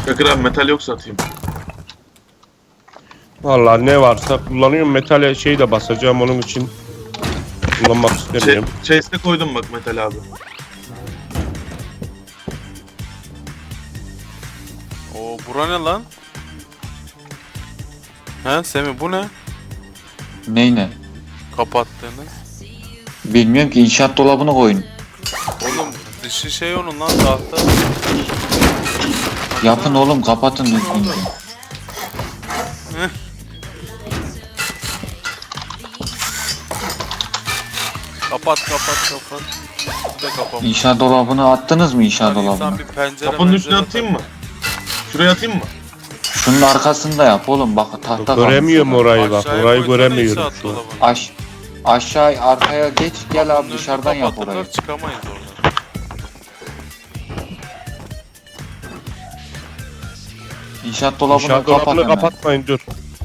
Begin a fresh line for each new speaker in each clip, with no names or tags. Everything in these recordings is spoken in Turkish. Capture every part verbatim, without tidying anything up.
Çakır abi metal yoksa atayım.
Vallahi ne varsa kullanıyorum. Metale şey de basacağım onun için. Kullanmak
Şey,
istemiyorum.
chase'de koydum bak metal abi.
Oo bura ne lan? He Semih bu ne?
Ney ne?
Kapattığınız.
Bilmiyorum ki, inşaat dolabını koyun.
Oğlum dışı şey onun lan tahta.
Yapın oğlum, kapatın düzgünce.
Kapat kapat kapat. Bu da kapamış.
İnşaat dolabını attınız mı, inşaat
Lan insan
dolabını?
bir pencere
Kapının üstüne
mencere
atayım mı? Şuraya atayım mı?
Şunun arkasında yap oğlum, bak tahta kalmış
Göremiyorum
orada.
orayı bak.
Aşağıya
Orayı
koysana
göremiyorum
inşaat
şu an.
dolabını.
Aş aşağı arkaya geç, gel abi
Kapının
dışarıdan
önünü
yap
kapatırlar,
orayı.
çıkamayız oradan.
İnşaat dolabını
İnşaat
kapat
dolabını
hemen.
kapatmayın dur.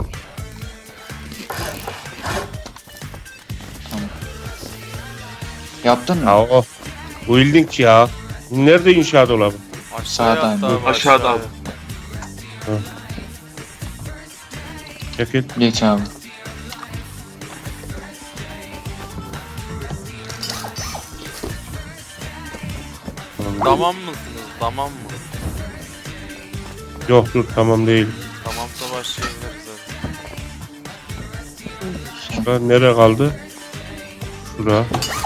Yaptın mı?
Ya o. Building ya. Nerede inşaat dolabı?
Aşağıya
Sağdan,
attı abi,
aşağıda
aşağıya.
abi.
Çekil.
Geç abi.
Tamam mısınız? Tamam mı?
Yok dur tamam değil.
Tamamsa başlayabiliriz hadi.
Şura nereye kaldı? Şura.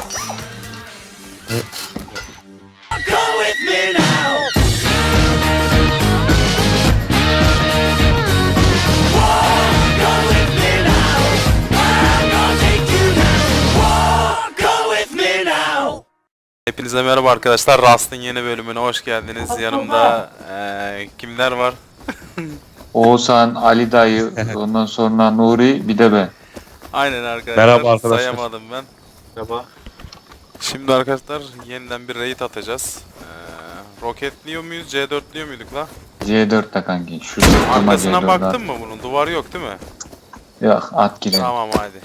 Hepinize merhaba arkadaşlar. Rust'ın yeni bölümüne hoş geldiniz. Yanımda eee, kimler var?
Oğuzhan, Ali dayı, ondan sonra Nuri, bir de ben.
Aynen arkadaşlar.
Merhaba arkadaşlar.
Sayamadım ben.
Merhaba.
Şimdi arkadaşlar yeniden bir raid atacağız. Eee roketliyor muyuz? C dörtlüyor muyduk la?
C dörtte kanki. Şu sırtıma C
Arkasına
dört
baktın
at.
mı bunun? Duvar yok değil mi?
Yok, at girelim.
Tamam hadi.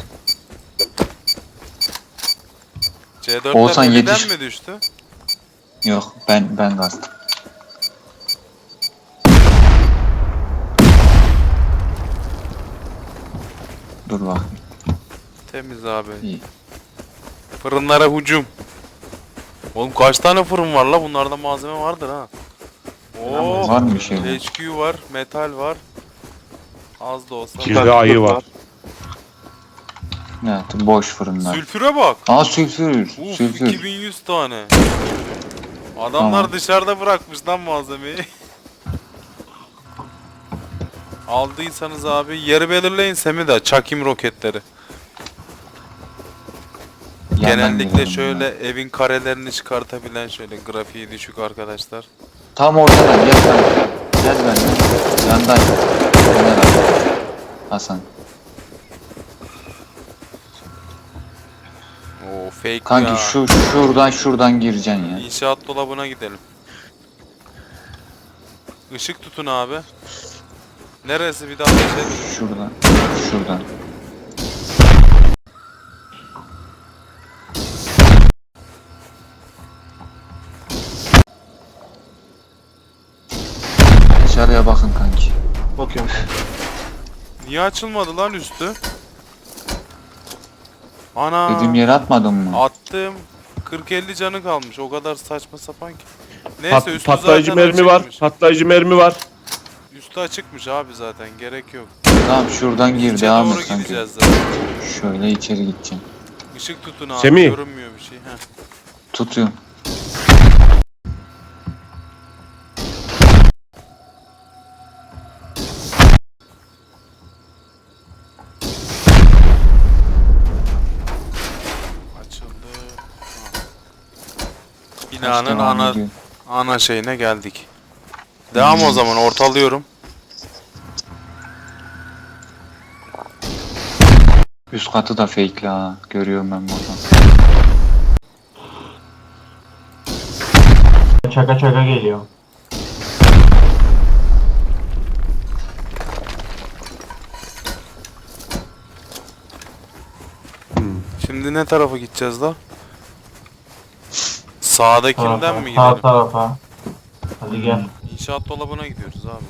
C
Oğuzhan
dörtler eliden
yetiş.
mi düştü?
Yok, ben ben kastım. Dur bak.
Temiz abi.
İyi.
Fırınlara hücum. Oğlum kaç tane fırın var la? Bunlarda malzeme vardır ha. Oo,
Var mı bir şey?
H Q var, metal var. Az da olsa.
Bir de ayı var.
Ne yaptı? Boş fırınlar.
Sülfüre bak.
Aa, sülfür.
Uf,
Sülfür.
iki bin yüz tane. Adamlar
Tamam.
dışarıda bırakmış lan malzemeyi. Aldıysanız abi yeri belirleyin Semih de çakayım roketleri.
Yandan
Genellikle
girelim
şöyle
ya.
evin karelerini çıkartabilen şöyle grafiği düşük arkadaşlar.
Tam ortadan gel kanka. Gel benimle. Yandan. Ömer abi. Hasan.
Oo fake
Kanki
ya.
şu şuradan şuradan gireceksin ya.
İnşaat dolabına gidelim. Işık tutun abi. Neresi bir daha ateş et.
Şuradan. Şuradan. Dışarıya bakın kanki.
Bakıyorum.
Niye açılmadı lan üstü? Ana.
Dediğim yere atmadın mı?
Attım. kırk elli canı kalmış. O kadar saçma sapan ki. Neyse
Pat,
üstü
patlayıcı
zaten
mermi var.
açıkmış.
Patlayıcı mermi var.
Üstü açıkmış abi zaten. Gerek yok.
Tamam, şuradan gir,
İçe
devam
doğru
et kanki.
gideceğiz zaten.
Şöyle içeri gideceğim.
Işık tutun abi.
Semih.
Görünmüyor bir şey. Heh.
Tutuyorum.
Açıldı. Ha.
Kaç
Binanın
devam
ana
ediyor?
ana şeyine geldik. Devam o zaman ortalıyorum.
Üst katı da fake'li ha. Görüyorum ben buradan.
Çaka çaka geliyor.
Şimdi ne tarafa gideceğiz la? Sağdakinden
Tarafa,
mi
Sağ
gidelim?
tarafa. Hadi gel.
İnşaat dolabına gidiyoruz abi.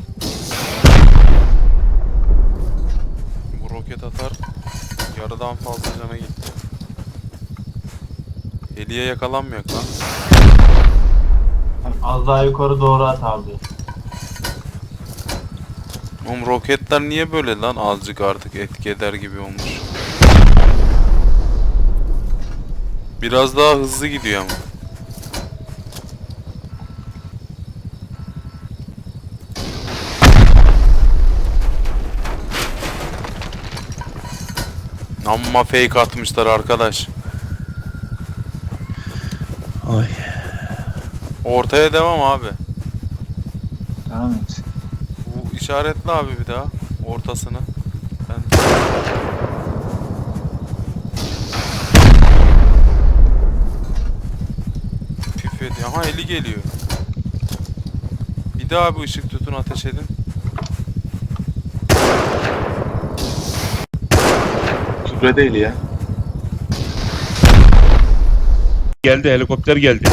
Bu roket atar. Yarıdan fazla cana gitti. Heliye yakalanmıyor lan.
Az daha yukarı doğru at abi.
Oğlum roketler niye böyle lan, azıcık artık etki eder gibi olmuş. Biraz daha hızlı gidiyor ama. Amma fake atmışlar arkadaş.
Ay.
Ortaya devam abi.
Devam et.
Bu işaretli abi bir daha ortasını. Ben... Püf ediyor. Aha eli geliyor. Bir daha bir ışık tutun, ateş edin.
Kübre değil ya.
Geldi, helikopter geldi.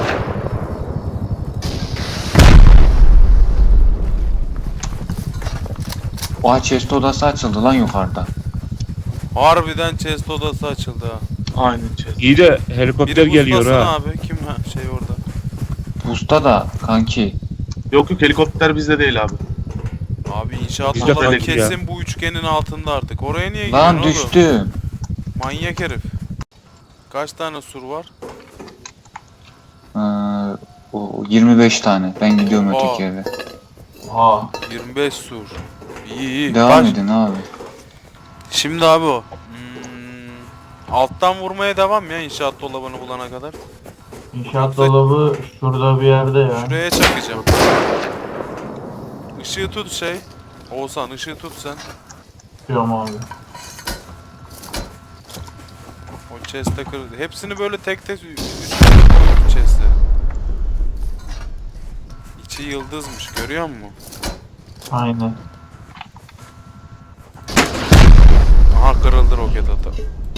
Oha chest odası açıldı lan yukarıda.
Harbiden chest odası açıldı ha.
Aynen çöz.
İyi de helikopter
Biri
geliyor
buzlasın
ha.
abi. Kim ha şey orada.
Usta da kanki.
Yok yok, helikopter bizde değil abi.
Abi inşaat
Bizde
dolabı
kanki ya.
kesin bu üçgenin altında artık. Oraya niye
Lan
gidiyorsun oğlum?
düştüm.
Manyak herif. Kaç tane sur var?
Ee, o yirmi beş tane. Ben gidiyorum
Aa.
öteki eve.
Oha.
yirmi beş sur. İyi iyi.
Devam
Kaç-
edin abi.
Şimdi abi o. Hmm, alttan vurmaya devam ya inşaat dolabını bulana kadar.
İnşaat dolabı şurada bir yerde ya.
Şuraya çakacağım. Işığı tut şey. Oğuzhan ışığı tut sen.
Tutuyorum abi.
O chest'e kır. Hepsini böyle tek tek üç koydum chest'e. İçi yıldızmış, görüyor musun?
Aynen.
Aha kırıldı roket ata.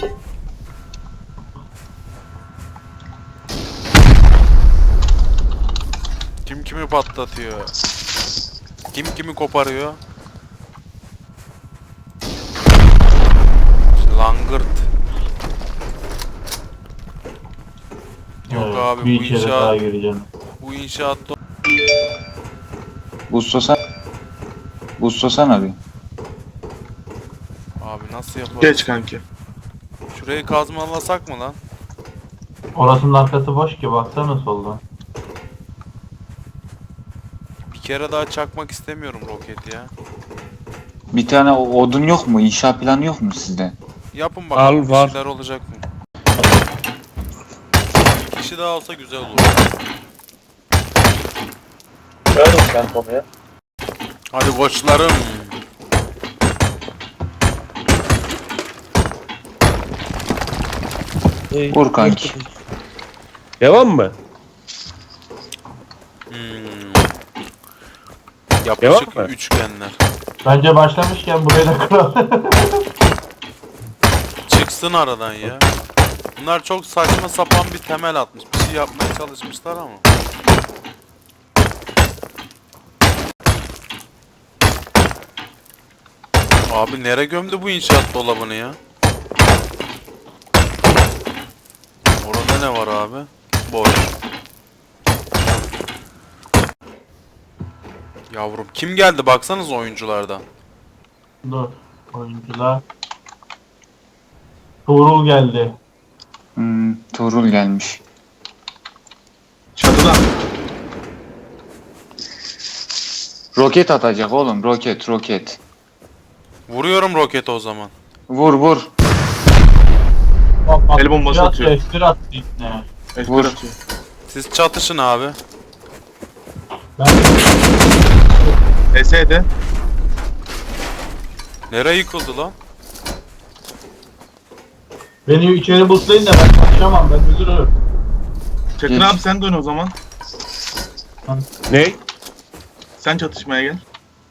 Kim kimi patlatıyor? Kim kimi koparıyor? Langırt. Yok
Evet,
abi,
bir
bu
içeri
inşaat-
daha gireceğim.
Bu inşaat do-
Bustosan. Bustosan bir.
Abi nasıl yaparız?
Geç kanki.
Şurayı kazmalasak mı lan?
Orasının arkası boş ki, baksana soldan.
Bir kere daha çakmak istemiyorum roketi ya.
Bir tane o- odun yok mu? İnşa planı yok mu sizde?
Yapın bakalım,
Al,
bir
var.
şeyler olacak mı? Bir kişi daha olsa güzel olur. Hadi koçlarım.
Vur kanki.
Devam mı?
Hmm.
Devam
Yapışık
mı?
üçgenler.
Bence başlamışken burayı da kıralım.
Çıksın aradan ya. Bunlar çok saçma sapan bir temel atmış. Bir şey yapmaya çalışmışlar ama. Abi nere gömdü bu inşaat dolabını ya? Orada ne var abi? Boş. Yavrum kim geldi baksanız oyunculardan.
Dur. Oyuncular. Tuğrul geldi.
Hmm, Tuğrul gelmiş.
Çatıda.
Roket atacak oğlum. Roket roket.
Vuruyorum roketi o zaman.
Vur vur.
El bombası
Biraz
atıyor.
F bir attı ipne.
Espri
Vur.
atıyor.
Siz çatışın abi.
Ben
Ese'de.
Nereye yıkıldı lan?
beni içeri buslayın da ben kaçamam, ben üzülürüm.
Çakın
Geç.
abi sen dön o zaman.
Ne?
Sen çatışmaya gel.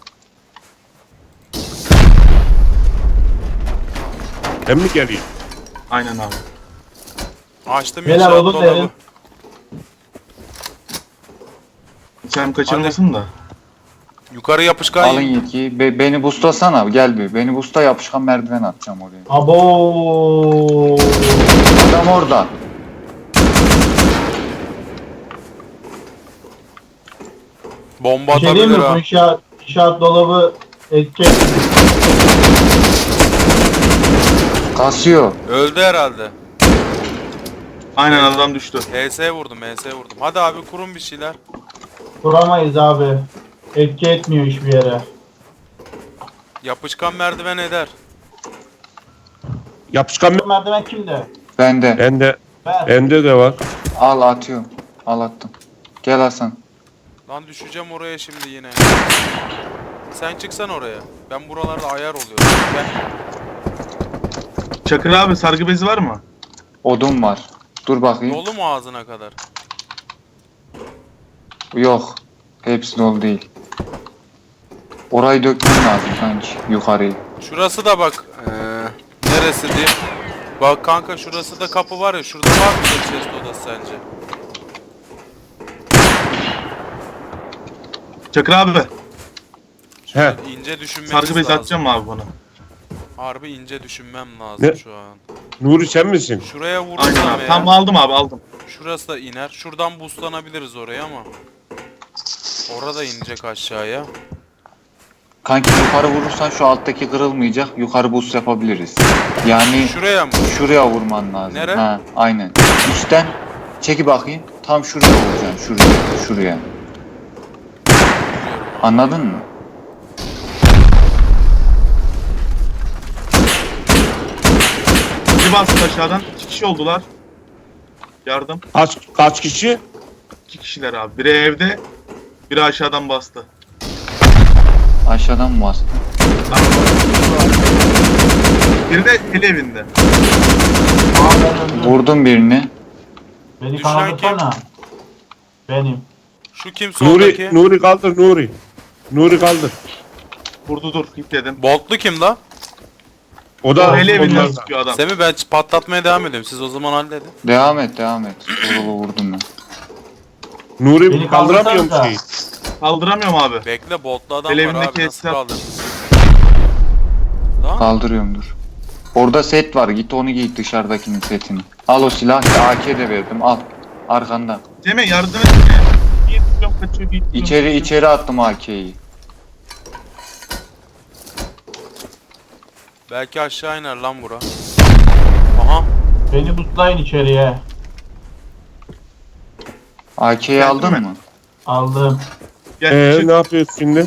Ben mi geleyim?
Aynen abi.
Açtım
Beyler,
inşaat
odun
dolabı.
verin.
Sen kaçırmasın da.
Yukarı yapışkan
Alın
yiyin.
yetkiyi. Be- beni boostlasana. Gel bir. Beni boostla, yapışkan merdiven atacağım oraya.
Abo.
Adam orada.
Bomba
Bir şey diyeyim
atabilir
mi? Bu
ha.
inşaat, inşaat dolabı edecek.
Kasıyor.
Öldü herhalde.
Aynen adam düştü.
H S vurdum, H S vurdum. Hadi abi kurun bir şeyler.
Duramayız abi. Etki etmiyor hiçbir yere.
Yapışkan merdiven eder.
Yapışkan
Bu merdiven kimde?
Bende.
bende
Ver.
bende de var.
Al atıyorum. Al attım. Gel Hasan.
Lan düşeceğim oraya şimdi yine. Sen çıksan oraya. Ben buralarda ayar oluyorum. Gel.
Çakır abi sargı bezi var mı?
Odun var. Dur bakayım.
Dolu mu ağzına kadar?
Yok. Hepsi dolu değil. Orayı dökmem lazım sanki. Yukarıyı.
Şurası da bak. Ee, neresi diyeyim? Bak kanka şurası da kapı var ya. Şurada var mı bir chest odası sence?
Çakır abi
He.
İnce düşünmemiz
sargı bezi
lazım.
atacağım mı abi bana?
Harbi ince düşünmem lazım
Ne?
şu an.
Nuri sen misin?
Şuraya vurursam
Aynen abi.
eğer,
Tamam aldım abi aldım.
şurası da iner. Şuradan boostlanabiliriz oraya ama. Orada inecek aşağıya.
Kanki yukarı vurursan şu alttaki kırılmayacak. Yukarı boost yapabiliriz. Yani
Şuraya mı?
şuraya vurman lazım.
Nere?
Ha, aynen. Üstten çeki bakayım. Tam şuraya vuracaksın. Şuraya. Şuraya. Anladın mı?
Bir bastı aşağıdan. İki kişi oldular. Yardım.
Kaç kaç kişi?
İki kişiler abi. Biri evde. Biri aşağıdan bastı.
Aşağıdan mı bastın?
Biri de el evinde.
Aa, ben öldüm.
Vurdum birini.
Beni
Düşen
kandırsana. Benim.
Şu kim soldaki?
Nuri Nuri kaldır Nuri. Nuri kaldır.
Vurdu dur. Git dedim.
Boltlu kim la?
O da
O el evinden
onlardan.
sıkıyor adam.
Semih ben patlatmaya devam ediyorum. Siz o zaman halledin.
Devam et, devam et. Vurulu vurdum ben.
Nuri
Beni
kaldıramıyorum
kaldırsanıza.
şeyi.
Kaldıramıyorum abi.
Bekle boltlu adam
El
var
evindeki
abi nasıl
hesap.
kaldır? Lan
Kaldırıyorum dur. Orada set var. Git onu giy, dışarıdakinin setini. Al o silah. A K de verdim. Al. Arkanda.
Cem'e yardım et. Bir tutuyorum kaçıyor. Bir tutuyorum,
İçeri
kaçıyor.
içeri attım A K'yi.
belki aşağı iner lan bura. Aha.
Beni butlayın içeriye.
A K'yi
Geldin
aldın
mi?
mı?
Aldım.
Gel.
Ee,
çık.
ne yapıyorsun şimdi?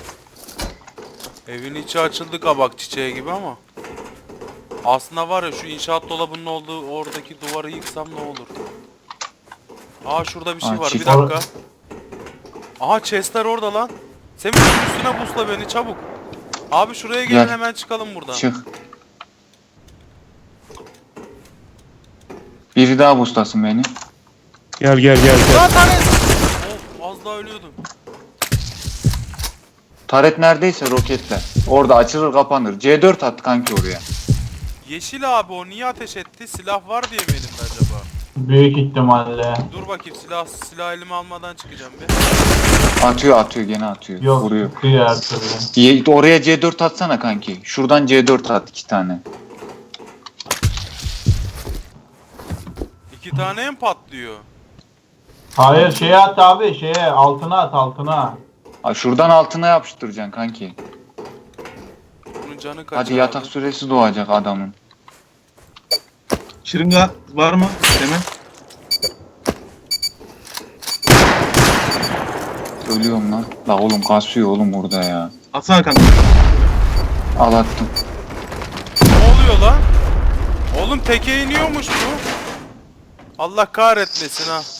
Evin içi açıldı kabak çiçeği gibi ama. Aslında var ya şu inşaat dolabının olduğu oradaki duvarı yıksam ne olur? Aa şurada bir şey
Aa,
var bir
çift-
dakika. Aha chestler orada lan. Semih şunun üstüne busla beni çabuk. Abi şuraya gelin
Gel.
hemen çıkalım buradan.
Çık. Biri daha bustasın beni.
Gel gel gel gel.
Lan tane. Of az daha ölüyordum.
Taret neredeyse roketle. Orada açılır kapanır. C dört at kanki oraya.
Yeşil abi o niye ateş etti? Silah var diye mi elimde acaba?
Büyük ihtimalle.
Dur bakayım silah silah elime almadan çıkacağım bir.
Atıyor atıyor gene atıyor.
Yok.
Vuruyor.
Çıkıyor her türlü.
Ye- Oraya C dört atsana kanki. Şuradan C dört at iki tane.
İki tane mi patlıyor?
Hayır şeye at abi şeye altına at altına.
Aa, şuradan altına yapıştıracaksın kanki.
Bunun canı kaç
Hadi
abi?
yatak süresi doğacak adamın.
Şırınga var mı Cem'e?
Ölüyorum lan. La oğlum kasıyor oğlum burada ya.
Atsana kanka.
Al attım.
Ne oluyor lan? Oğlum teke iniyormuş bu. Allah kahretmesin ha.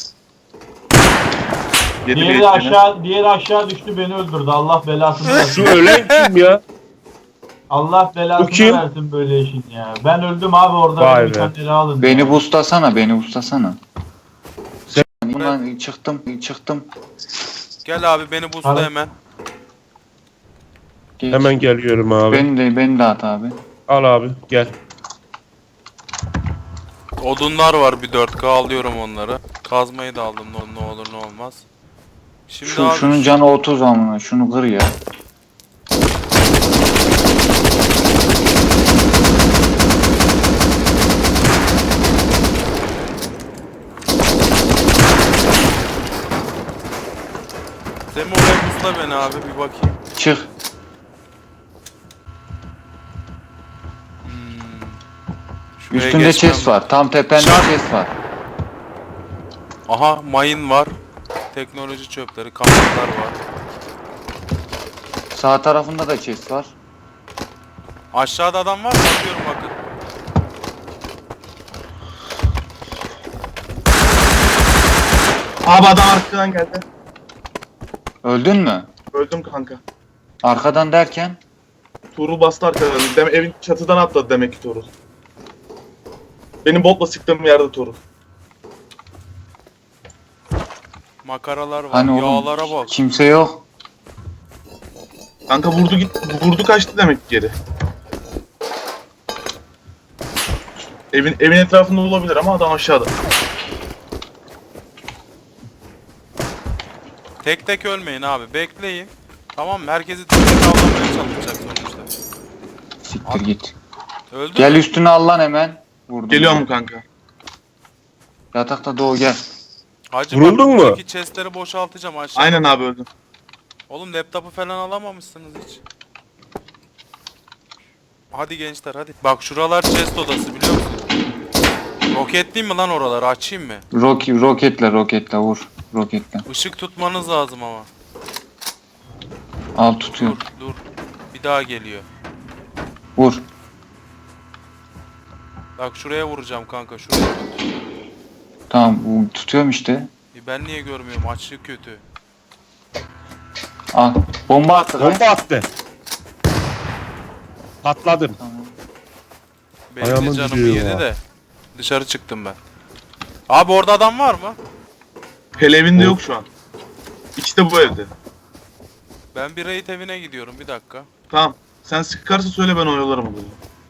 Yedi
Diğeri
bir
aşağı diğeri aşağı düştü beni öldürdü. Allah belasını
Şu
versin.
ölen kim ya?
Allah
Bu
belasını
kim?
versin böyle işin ya. Ben öldüm abi orada
Vay
beni bir
be.
tane ele alın.
Beni
ya.
bustasana, beni bustasana.
Sen-
Ulan çıktım, çıktım.
Gel abi beni busla
Abi.
hemen.
Geç.
Hemen geliyorum abi.
Beni de, beni de at abi.
Al abi gel.
Odunlar var bir dört K alıyorum onları. Kazmayı da aldım ne, ne olur ne olmaz. Şimdi
Şu,
abi
şunun canı otuz amına. Şunu kır ya.
Semi oraya pusla beni abi bir bakayım.
Çık.
Şuraya
Üstünde
geçmem
chest var. Tam tepende
Şart.
chest var.
Aha mayın var. Teknoloji çöpleri, kameralar var.
Sağ tarafında da chest var.
Aşağıda adam var mı? Bakıyorum bakın.
Abi adam arkadan geldi.
Öldün mü?
Öldüm kanka.
Arkadan derken
Tuğrul bastı arkadan. Dem evin çatıdan atladı demek ki Tuğrul. Benim botla sıktığım yerde Tuğrul.
Makaralar var.
hani oğlum
Yağlara bak.
kimse yok.
Kanka vurdu git vurdu kaçtı demek ki geri. Evin evin etrafında olabilir ama adam aşağıda.
Tek tek ölmeyin abi. Bekleyin. Tamam mı? Herkesi tek tek avlamaya çalışacak sonuçta.
Siktir
Abi.
git.
Öldü
Gel
mü?
üstüne al lan hemen. Vurdum.
Geliyorum kanka.
Yatakta doğu gel.
Hacı
Vuruldun
bak,
mu?
buradaki chestleri boşaltacağım aşağı.
Aynen abi öldüm.
Oğlum laptopu falan alamamışsınız hiç. Hadi gençler hadi. Bak şuralar chest odası biliyor musun? Roketleyeyim mi lan oraları, açayım mı?
Rok roketle roketle vur. Roketle.
Işık tutmanız lazım ama.
Al
Dur
tutuyor.
dur. Bir daha geliyor.
Vur.
Bak şuraya vuracağım kanka, şuraya tut.
Tamam bu tutuyorum işte.
E ben niye görmüyorum, açlık kötü.
Al. Bomba attı. lan.
Bomba attı. Patladım.
Tamam.
Benim
Ayağımın
de canımı
dibiyor
yedi
ya.
de. Dışarı çıktım ben. Abi orada adam var mı?
Hele evinde yok şu an. İşte bu evde.
Ben bir raid evine gidiyorum, bir dakika.
Tamam. Sen sıkarsa söyle ben oyalarım onu.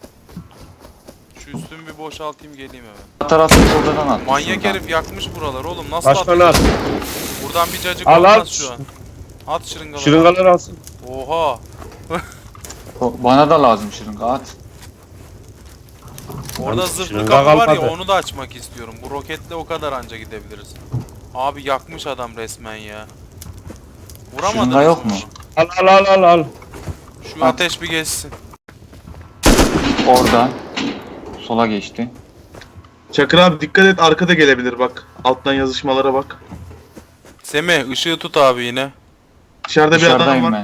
Şu üstümü bir boşaltayım geleyim hemen.
Sağ taraftaki odadan at.
Manyak
şuradan.
herif yakmış buralar oğlum, nasıl
Başkanı
atacağız?
at.
Buradan bir cacık
Al,
olmaz
at.
şu an. At şırıngaları.
Şırıngalar alsın.
Oha.
O- Bana da lazım şırınga at.
Orada
Lan
zırhlı
şırınga
kapı var ya,
kalmadı.
onu da açmak istiyorum. Bu roketle o kadar anca gidebiliriz. Abi yakmış adam resmen ya. Vuramadınız
Şırınga yok mu?
Al al al al al.
Şu
At.
ateş bir geçsin.
Oradan. Sola geçti.
Çakır abi dikkat et arkada gelebilir bak. Alttan yazışmalara bak.
Semih ışığı tut abi yine.
Dışarıda bir adam
Dışarıdayım
var.
ben.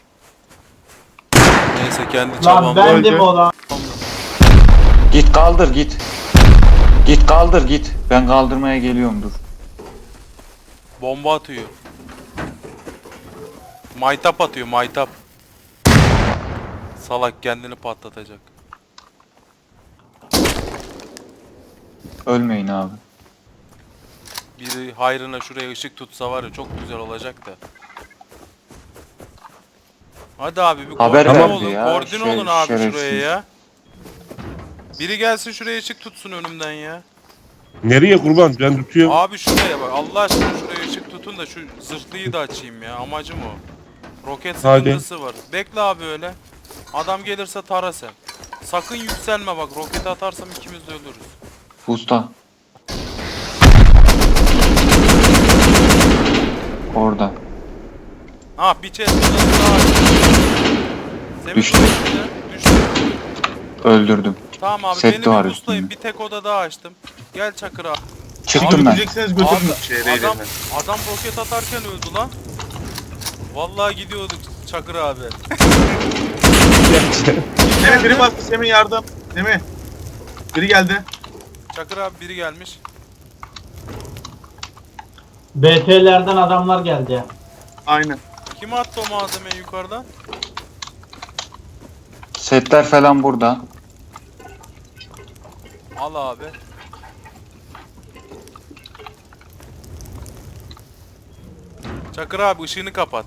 Neyse kendi
Lan
çabamla.
bendim
öldü.
o lan.
Git kaldır git. Git kaldır git. Ben kaldırmaya geliyorum dur.
Bomba atıyor. Maytap atıyor, maytap. Salak kendini patlatacak.
Ölmeyin abi.
Biri hayrına şuraya ışık tutsa var ya, çok güzel olacak da. Hadi abi bir
Haber
koordine
verdi
olun.
ya,
Koordine
şey-
olun abi
şerefsiz.
şuraya ya. Biri gelsin şuraya ışık tutsun önümden ya.
Nereye kurban? Ben tutuyorum.
Abi şuraya bak. Allah aşkına şuraya ışık tutun da şu zırhlıyı da açayım ya. Amacım o. Roket
Hadi.
sıkıntısı var. Bekle abi öyle. Adam gelirse tara sen. Sakın yükselme bak. Roketi atarsam ikimiz de ölürüz.
Usta. Orada.
Ha bir chest odası daha açtım. Semih
Düştü.
düştü. Düştü.
Öldürdüm.
Tamam abi
Set
beni
de var
bir buslayın.
üstünde.
Bir tek oda daha açtım. Gel Çakır abi.
Çıktım
Abi
ben.
gidecekseniz götürün
Abi,
şeye
adam,
reylerine.
adam roket atarken öldü lan. Vallahi gidiyorduk Çakır abi.
Semih biri bastı Semih yardım. Semih. Biri geldi.
Çakır abi biri gelmiş.
B T'lerden adamlar geldi.
Aynen.
Kim attı o malzemeyi yukarıdan?
Setler falan burada.
Al abi. Çakır abi ışığını kapat.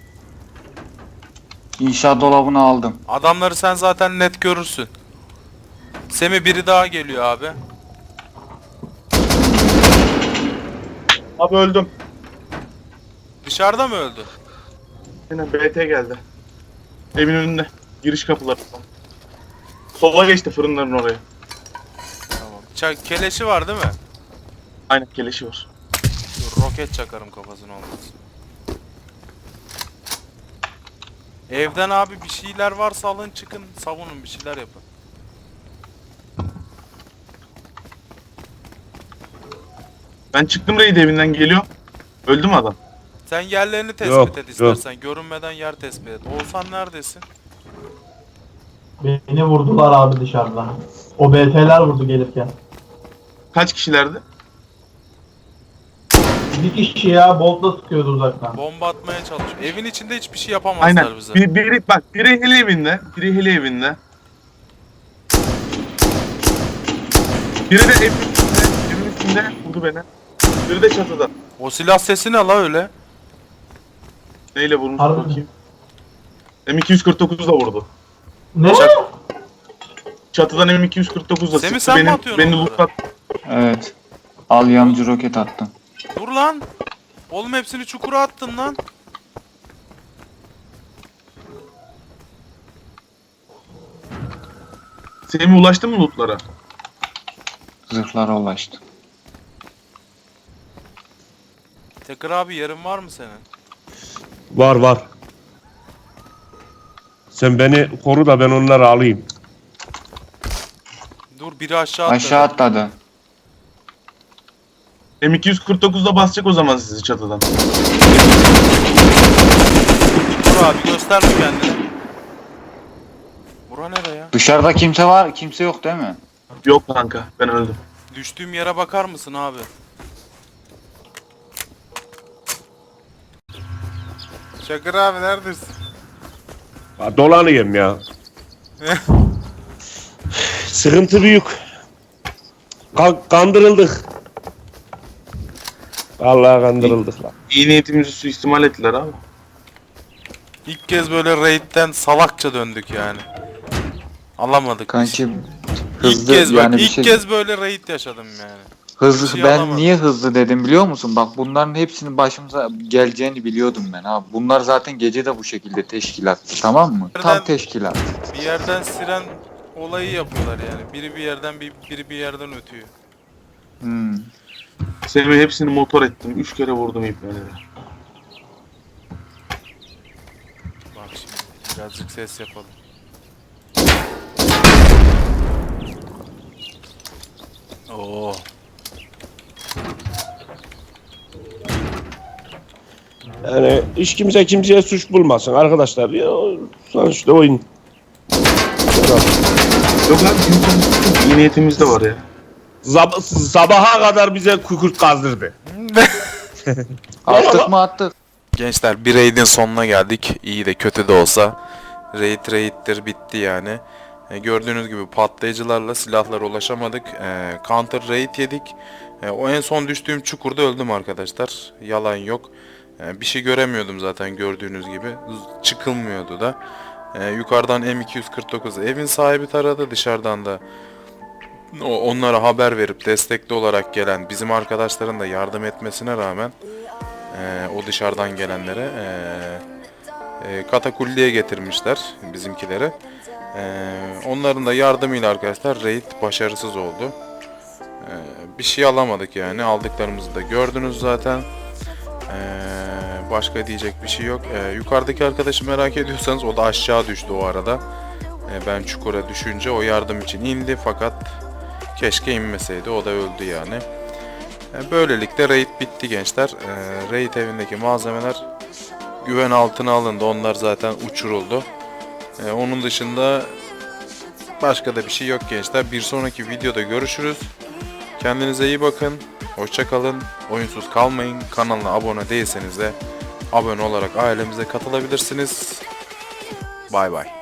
İnşaat dolabını aldım.
Adamları sen zaten net görürsün. Semi biri daha geliyor abi.
Abi öldüm.
Dışarı Dışarıda mı öldü?
Yine B T geldi. Evin önünde. Giriş kapıları. Sola geçti fırınların oraya.
Tamam. Ça- keleşi var değil mi?
Aynen keleşi var.
Dur, roket çakarım kafasına olmaz. Evden abi bir şeyler varsa alın çıkın savunun bir şeyler yapın.
Ben çıktım raid evinden geliyor. Öldü mü adam?
Sen yerlerini tespit
Yok,
et
yok.
istersen. Görünmeden yer tespit et. Oğuzhan neredesin?
Beni vurdular abi dışarıdan. O B T'ler vurdu gelirken.
Kaç kişilerdi?
Bir kişi ya boltla sıkıyordu uzaktan.
Bomba atmaya çalışıyor. Evin içinde hiçbir şey yapamazlar
Aynen.
bize.
Bir, biri, bak biri heli evinde. Biri heli evinde. Biri de evin üstünde. Evin üstünde vurdu beni. Biri de çatıda.
O silah sesi ne la öyle?
Neyle vurmuş
Harbi
bakayım. M iki yüz kırk dokuzla vurdu.
Ne?
Çatıdan M iki yüz kırk dokuzla
Semih,
sıktı
sen mi
beni.
atıyorsun
Beni
onları?
lootlat.
Evet. Al yanıcı roket attım.
Dur lan. Oğlum hepsini çukura attın lan.
Semih ulaştı mı lootlara?
Zırhlara ulaştı.
Tekrar abi yerin var mı senin?
Var var. Sen beni koru da ben onları alayım.
Dur biri aşağı atladı.
Aşağı atladı.
M iki yüz kırk dokuzla basacak o zaman sizi çatıdan.
Dur abi gösterme kendini. Bura nereye ya?
Dışarıda kimse var, kimse yok değil mi?
Yok kanka ben öldüm.
Düştüğüm yere bakar mısın abi? Şakır abi neredesin?
Ha, dolanayım ya. Sıkıntı büyük. Ka- kandırıldık. Vallahi kandırıldık lan.
İyi niyetimizi suistimal ettiler abi.
İlk kez böyle raid'den salakça döndük yani. Alamadık.
Kanki
İlk
hızlı
kez
yani
bak
bir
ilk
şey.
kez böyle raid yaşadım yani.
Hızlı
bir şey
ben
alamadım.
niye hızlı dedim biliyor musun? Bak bunların hepsinin başımıza geleceğini biliyordum ben abi. Bunlar zaten gece de bu şekilde teşkilattı, tamam mı? Tam
Nereden-
teşkilat.
Bir yerden siren olayı yapıyorlar yani. Biri bir yerden bir biri bir yerden ötüyor.
Hmm.
Semih hepsini motor ettim. Üç kere vurdum ipneleri.
Bak şimdi birazcık ses yapalım. Oo.
Yani hiç kimse kimseye suç bulmasın arkadaşlar. Ya, sonuçta oyun.
Yok abi bizim iyi niyetimiz de var ya.
Zab- sabaha kadar bize kükürt kazdırdı.
Attık mı attık.
Gençler bir raid'in sonuna geldik. İyi de kötü de olsa. Raid raid'tir bitti yani. E, gördüğünüz gibi patlayıcılarla silahlara ulaşamadık. E, counter raid yedik. E, o en son düştüğüm çukurda öldüm arkadaşlar. Yalan yok. E, bir şey göremiyordum zaten gördüğünüz gibi. Z- Çıkılmıyordu da. E, yukarıdan M iki yüz kırk dokuz evin sahibi taradı. Dışarıdan da o- onlara haber verip destekli olarak gelen bizim arkadaşların da yardım etmesine rağmen e, o dışarıdan gelenlere e, e, katakulliye getirmişler bizimkileri. E, onların da yardımıyla arkadaşlar raid başarısız oldu. E, bir şey alamadık yani. Aldıklarımızı da gördünüz zaten. E, başka diyecek bir şey yok. E, yukarıdaki arkadaşı merak ediyorsanız o da aşağı düştü o arada. E, ben çukura düşünce o yardım için indi fakat keşke inmeseydi. O da öldü yani. E, böylelikle raid bitti gençler. E, raid evindeki malzemeler güven altına alındı. Onlar zaten uçuruldu. E, onun dışında başka da bir şey yok gençler. Bir sonraki videoda görüşürüz. Kendinize iyi bakın. Hoşça kalın. Oyunsuz kalmayın. Kanalına abone değilseniz de abone olarak ailemize katılabilirsiniz. Bay bay.